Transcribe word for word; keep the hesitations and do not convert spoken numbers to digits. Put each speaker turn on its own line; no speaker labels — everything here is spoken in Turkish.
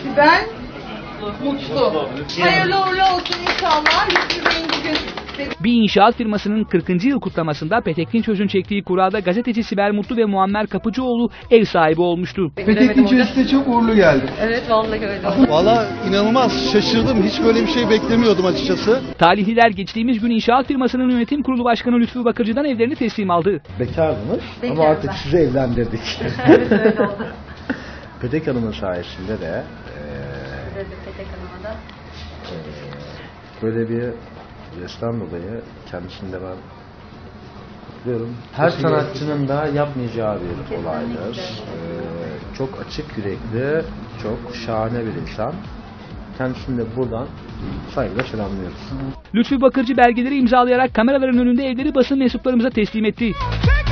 Sibel mutlu. Hayırlı uğurlu olsun inşallah. Lütfü Bey'in bugün
Bir inşaat firmasının kırkıncı yıl kutlamasında Petek Dinçöz'ün çektiği kurada gazeteci Sibel Mutlu ve Muammer Kapıcıoğlu ev sahibi olmuştu.
Petek Dinçöz size çok uğurlu geldi.
Evet vallahi öyle oldu.
Valla inanılmaz şaşırdım. Hiç böyle bir şey beklemiyordum açıkçası.
Talihliler geçtiğimiz gün inşaat firmasının yönetim kurulu başkanı Lütfü Bakırcı'dan evlerini teslim aldı.
Bekardınız
Bekarım
ama artık
ben.
sizi evlendirdik.
Evet öyle oldu.
Petek Hanım'ın sayesinde de
Size de Petek Hanım'a da.
e, böyle bir resmen dolayı kendisini de ben kutluyorum. Her sanatçının da yapmayacağı bir olaydır. E, çok açık yürekli, çok şahane bir insan. Kendisini de buradan saygıyla selamlıyoruz.
Lütfü Bakırcı belgeleri imzalayarak kameraların önünde evleri basın mensuplarımıza teslim etti.